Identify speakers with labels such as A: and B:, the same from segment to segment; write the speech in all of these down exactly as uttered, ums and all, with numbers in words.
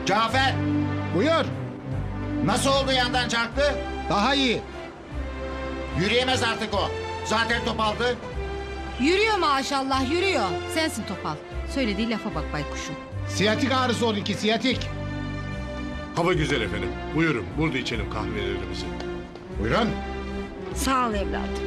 A: Cafer,
B: Buyur.
A: nasıl oldu yandan çarptı?
B: Daha iyi.
A: Yürüyemez artık o. Zaten topaldı.
C: Yürüyor maşallah yürüyor. Sensin topal. Söylediği lafa bak baykuşum.
B: Siyatik ağrısı onunki siyatik.
D: Hava güzel efendim. Buyurun burada içelim kahvelerimizi.
B: Buyurun.
E: Sağ ol evladım.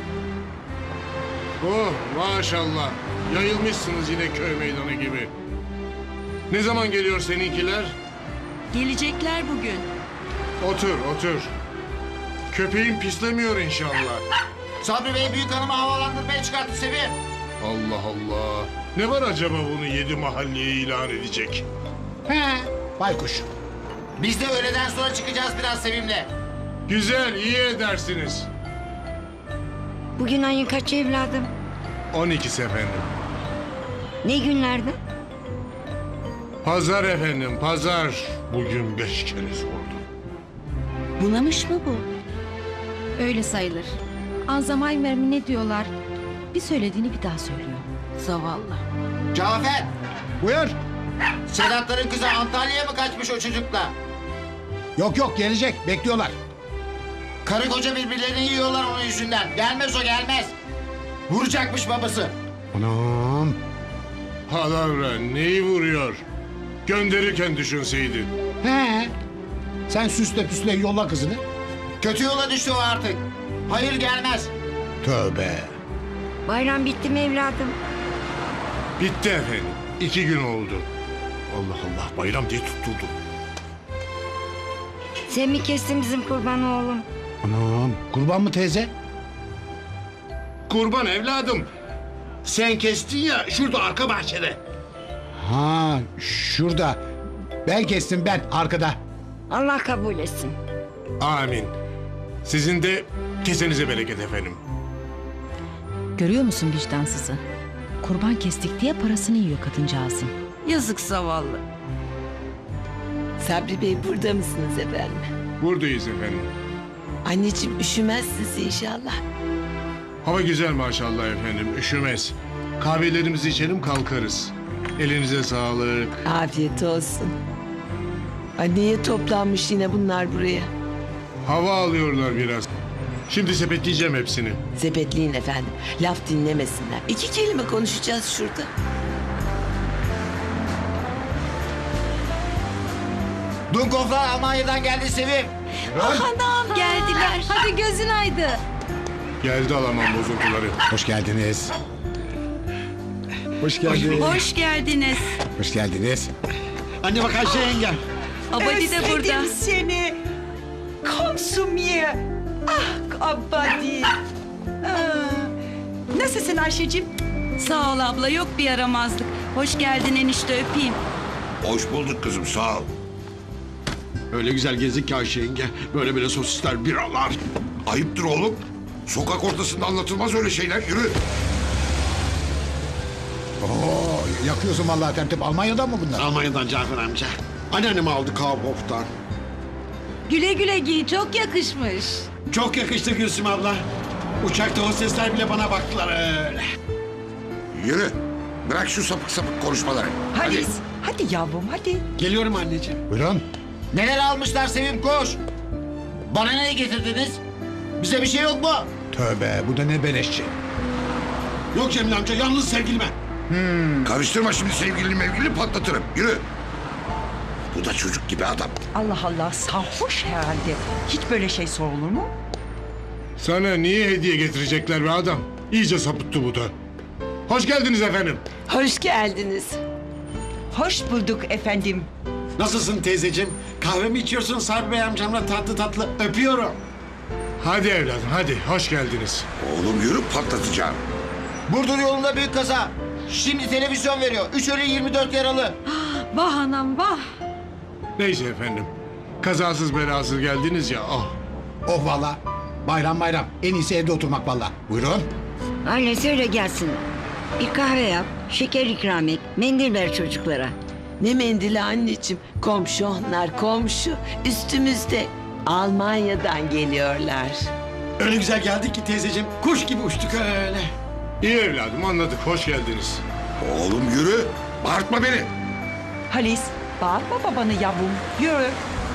D: Oh maşallah. Yayılmışsınız yine köy meydanı gibi. Ne zaman geliyor seninkiler?
E: Gelecekler bugün.
D: Otur otur. Köpeğin pislemiyor inşallah.
A: Sabri Bey büyük hanımı havalandırmaya çıkarttı Sevim.
D: Allah Allah. Ne var acaba bunu yedi mahalleye ilan edecek?
B: He. Baykuş.
A: Biz de öğleden sonra çıkacağız biraz Sevim'le.
D: Güzel iyi edersiniz.
E: Bugün ayın kaçı evladım?
D: on ikisi efendim.
E: Ne günlerde?
D: Pazar efendim pazar. Bugün beş kere sordum.
E: Bunamış mı bu?
C: Öyle sayılır. Alzheimer mi ne diyorlar? Bir söylediğini bir daha söylüyor. Zavallı.
A: Cafer,
B: Buyur.
A: Sedatların kızı Antalya'ya mı kaçmış o çocukla?
B: Yok yok gelecek. Bekliyorlar.
A: Karı koca birbirlerini yiyorlar onun yüzünden. Gelmez o gelmez. Vuracakmış babası.
B: Anam.
D: Palavra neyi vuruyor? Gönderirken düşünseydin.
B: He. Sen süsle püsle yolla kızını.
A: Kötü yola düştü o artık. Hayır gelmez.
B: Tövbe.
E: Bayram bitti mi evladım?
D: Bitti efendim. İki gün oldu. Allah Allah bayram diye tutturdu.
E: Sen mi kestin bizim kurbanı oğlum?
B: Anam. Kurban mı teyze?
D: Kurban evladım. Sen kestin ya şurada arka bahçede.
B: Ha şurada. Ben kestim ben arkada.
E: Allah kabul etsin.
D: Amin. Sizin de kesenize bereket efendim.
C: Görüyor musun vicdansızı? Kurban kestik diye parasını yiyor kadıncağızın.
F: Yazık zavallı. Sabri Bey burada mısınız efendim?
D: Buradayız efendim.
F: Anneciğim üşümezsiniz inşallah.
D: Hava güzel maşallah efendim. Üşümez. Kahvelerimizi içelim kalkarız. Elinize sağlık.
F: Afiyet olsun. Anneye toplanmış yine bunlar buraya.
D: Hava alıyorlar biraz. Şimdi sepetleyeceğim hepsini.
F: Sepetliğin efendim. Laf dinlemesinler. İki kelime konuşacağız şurada.
A: Dunkoflar Almanya'dan geldi Sevim.
F: Anam geldiler.
C: Hadi gözün aydı.
D: Geldi alamam bozuntuları.
B: Hoş geldiniz. Hoş geldiniz.
F: Hoş geldiniz.
B: Hoş geldiniz.
G: Anne bak Ayşe yenge.
F: Abadi de burada.
H: Özledim seni. Komşum ye. Ah Abadi. Aa, nasılsın Ayşe'cim?
F: Sağ ol abla yok bir yaramazlık. Hoş geldin enişte öpeyim.
I: Hoş bulduk kızım sağ ol.
G: Öyle güzel gezdik ki Ayşe yenge. Böyle böyle sosisler, biralar.
I: Ayıptır oğlum. Sokak ortasında anlatılmaz öyle şeyler. Yürü.
B: Oo, yakıyorsun vallahi tertip. Almanya'dan mı bunlar?
G: Almanya'dan Cafer amca. Anneannemi aldı Kaufhof'tan.
C: Güle güle giy çok yakışmış.
G: Çok yakıştı Gülsüm abla. Uçakta hostesler bile bana baktılar öyle.
I: Yürü. Bırak şu sapık sapık konuşmaları.
H: Halis. Hadi yavrum hadi.
G: Geliyorum anneciğim.
B: Buyurun.
A: Neler almışlar Sevim koş. Bana ne getirdiniz? Bize bir şey yok mu?
B: Tövbe bu da ne beleşçi.
G: Yok Cemil amca yalnız sevgilime.
I: Karıştırma şimdi sevgilini mevgilini patlatırım. Yürü. Bu da çocuk gibi adam.
H: Allah Allah sarhoş herhalde. Hiç böyle şey sorulur mu?
D: Sana niye hediye getirecekler be adam? İyice sapıttı bu da. Hoş geldiniz efendim.
F: Hoş geldiniz.
H: Hoş bulduk efendim.
G: Nasılsın teyzeciğim? Kahve mi içiyorsun Sabri Bey amcamla tatlı tatlı? Öpüyorum.
D: Hadi evladım hadi hoş geldiniz.
I: Oğlum yürü patlatacağım.
A: Burdur yolunda büyük kaza. Şimdi televizyon veriyor. Üç ölü yirmi dört yaralı.
C: Vah anam vah.
D: Neyse efendim. Kazasız belasız geldiniz ya. Oh.
B: Oh valla. Bayram bayram. En iyisi evde oturmak valla. Buyurun.
E: Anne söyle gelsin. Bir kahve yap, şeker ikram et, mendil ver çocuklara.
F: Ne mendili anneciğim. Komşu onlar komşu. Üstümüzde. Almanya'dan geliyorlar.
G: Öyle güzel geldik ki teyzeciğim. Kuş gibi uçtuk öyle.
D: İyi evladım anladık hoş geldiniz.
I: Oğlum yürü. Bağırtma beni.
H: Halis Bağırma babanı yavrum. Yürü.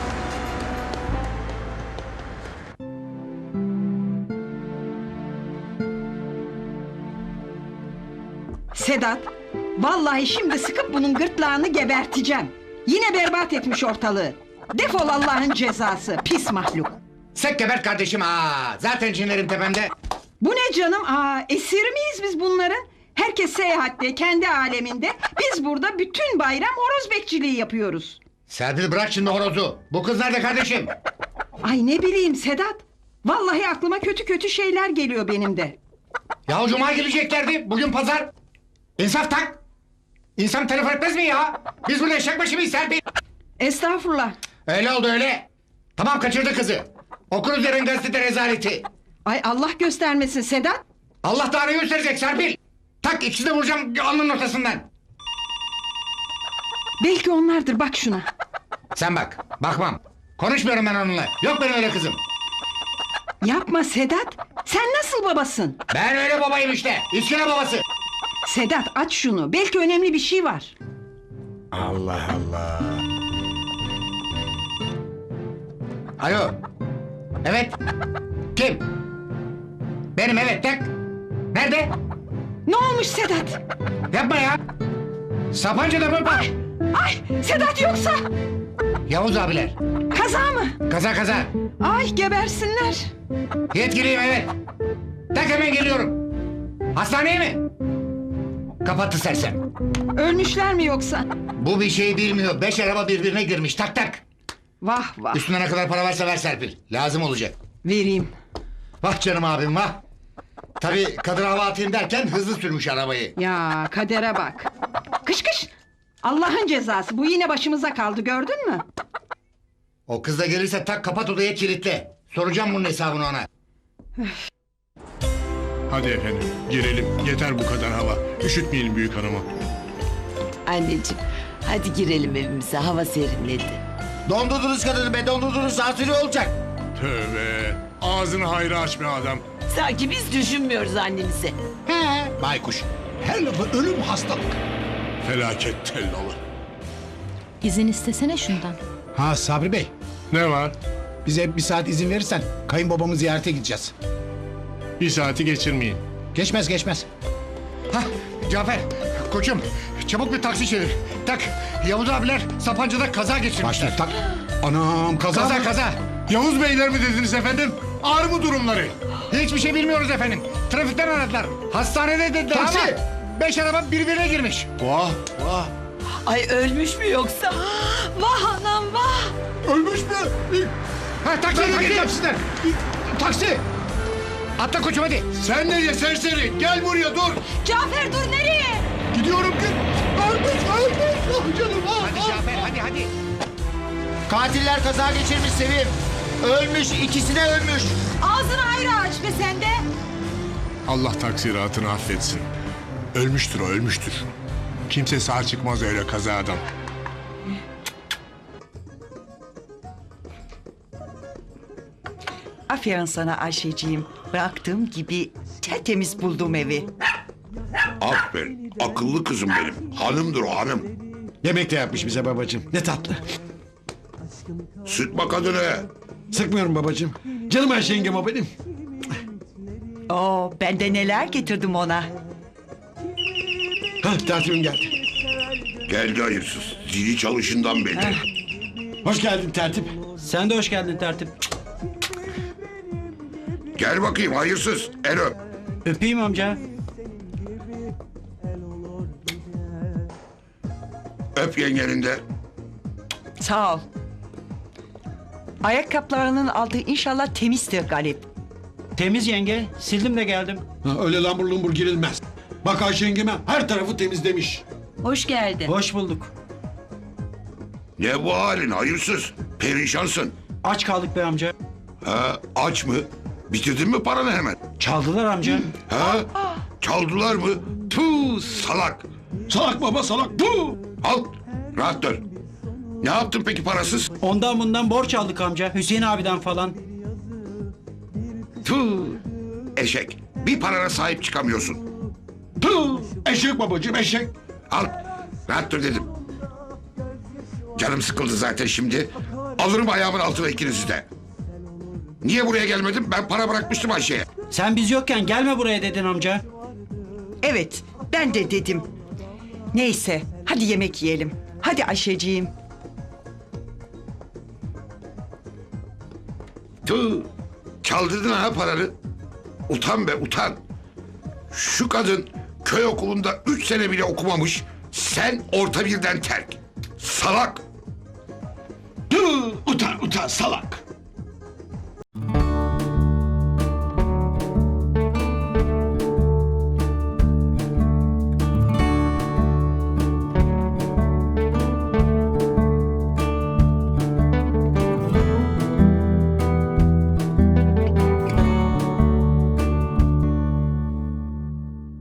J: Sedat, vallahi şimdi sıkıp bunun gırtlağını geberteceğim. Yine berbat etmiş ortalığı. Defol Allah'ın cezası, pis mahluk.
B: Sek gebert kardeşim ha. Zaten cinlerim tepemde.
J: Bu ne canım? Aa, esir miyiz biz bunların? Herkes seyahatte, kendi aleminde. Biz burada bütün bayram horoz bekçiliği yapıyoruz.
B: Serpil bırak şimdi horozu. Bu kız nerede kardeşim?
J: Ay ne bileyim Sedat. Vallahi aklıma kötü kötü şeyler geliyor benim de.
B: Ya cuma geleceklerdi. Bugün pazar. İnsaf tak. İnsan telefon etmez mi ya? Biz burada eşek başı mıyız Serpil?
J: Estağfurullah.
B: Öyle oldu öyle. Tamam kaçırdı kızı. Okuruz yarın gazete rezaleti.
J: Ay Allah göstermesin Sedat.
B: Allah da arayı gösterecek Serpil. Tak ikisi de vuracağım alnının ortasından.
J: Belki onlardır, bak şuna.
B: Sen bak. Bakmam. Konuşmuyorum ben onunla. Yok benim öyle kızım.
J: Yapma Sedat. Sen nasıl babasın?
B: Ben öyle babayım işte. İskele babası.
J: Sedat aç şunu. Belki önemli bir şey var.
B: Allah Allah. Alo. Evet. Kim? Benim evet tak. Nerede?
J: Ne olmuş Sedat?
B: Yapma ya. Sapanca'da mı? Bak.
J: Ay Sedat yoksa?
B: Yavuz abiler.
J: Kaza mı?
B: Kaza kaza.
J: Ay gebersinler.
B: Yetkiliyim evet. Tak hemen geliyorum. Hastaneye mi? Kapattı sersem.
J: Ölmüşler mi yoksa?
B: Bu bir şey bilmiyor. Beş araba birbirine girmiş. Tak tak.
J: Vah vah.
B: Üstüne ne kadar para varsa ver Serpil. Lazım olacak.
J: Vereyim.
B: Vah canım abim vah. Tabii kadın hava atayım derken hızlı sürmüş arabayı.
J: Ya kadere bak. Kış kış. Allah'ın cezası. Bu yine başımıza kaldı, gördün mü?
B: O kız da gelirse tak kapat odaya kilitle. Soracağım bunun hesabını ona.
D: Hadi efendim girelim. Yeter bu kadar hava. Üşütmeyelim büyük hanımı.
F: Anneciğim hadi girelim evimize, hava serinledi.
A: Dondurdunuz kadını be, dondurdunuz. Sansürü olacak.
D: Tövbe. Ağzını hayra aç be adam.
F: Sanki biz düşünmüyoruz annemizi.
B: He. Baykuş. Her lafı ölüm hastalık.
D: Felaket tellalı.
C: İzin istesene şundan.
B: Ha Sabri Bey.
D: Ne var?
B: Bize bir saat izin verirsen kayınbabamı ziyarete gideceğiz.
D: Bir saati geçirmeyin.
B: Geçmez geçmez. Hah Cafer koçum çabuk bir taksi çevir. Tak Yavuz abiler Sapanca'da kaza geçirmişler. tak. Anam kaza Kaza kaza.
D: Yavuz beyler mi dediniz efendim? Ağır mı durumları?
B: Hiçbir şey bilmiyoruz efendim. Trafikten aradılar. Hastanede dediler
A: Taksi.
B: ama beş araba birbirine girmiş.
D: Vah vah.
F: Ay ölmüş mü yoksa? Vah anam vah.
B: Ölmüş mü? Ha taksi gideceğim sizden. Taksi. Atla koçum hadi.
D: Sen nereye serseri? Gel buraya dur.
J: Cafer dur, nereye?
D: Gidiyorum ki.
B: Ölmüş ölmüş. Ah canım ah. Hadi Cafer hadi hadi.
A: Katiller kaza geçirmiş Sevim. Ölmüş, ikisi de ölmüş.
J: Ağzını hayra aç be sen de.
D: Allah taksiratını affetsin. Ölmüştür o ölmüştür. Kimse sağ çıkmaz öyle kazadan.
H: Aferin sana Ayşeciğim. Bıraktığım gibi tertemiz buldum evi.
I: Aferin. Akıllı kızım benim. Hanımdır o hanım.
G: Yemek de yapmış bize babacığım. Ne tatlı.
I: Sıkma kadını.
G: Sıkmıyorum babacığım. Canım Ayşe yengem o benim.
H: Oo, ben de neler getirdim ona.
G: Hah tertibim geldi.
I: Geldi hayırsız. Zili çalışından belli.
G: Hoş geldin tertip.
K: Sen de hoş geldin tertip.
I: Gel bakayım hayırsız. El öp.
K: Öpeyim amca.
I: Öp yengenin de.
H: Sağ ol. Ayakkabılarının altı inşallah temizdir Galip.
K: Temiz yenge. Sildim de geldim.
G: Ha, öyle lambur lumbur girilmez. Bak Ayşe yengeme her tarafı temizlemiş.
J: Hoş geldin.
K: Hoş bulduk.
I: Ne bu halin hayırsız? Perişansın.
K: Aç kaldık be amca.
I: Ha, aç mı? Bitirdin mi paranı hemen?
K: Çaldılar amca.
I: Ha? Çaldılar mı? Tuh salak.
G: Salak baba salak. Puh!
I: Al rahat dur. Ne yaptın peki parasız?
K: Ondan bundan borç aldık amca. Hüseyin abiden falan.
I: Tuh eşek. Bir parana sahip çıkamıyorsun.
G: Puh! Eşek babacığım eşek.
I: Al rahat dur dedim. Canım sıkıldı zaten şimdi. Alırım ayağımın altına ikinizi de. Niye buraya gelmedim? Ben para bırakmıştım Ayşe'ye.
K: Sen biz yokken gelme buraya dedin amca.
H: Evet, ben de dedim. Neyse, hadi yemek yiyelim. Hadi Ayşeciğim.
I: Tüh, çaldırdın ha paraları. Utan be utan. Şu kadın köy okulunda üç sene bile okumamış. Sen orta birden terk. Salak.
G: Tüh, utan utan salak.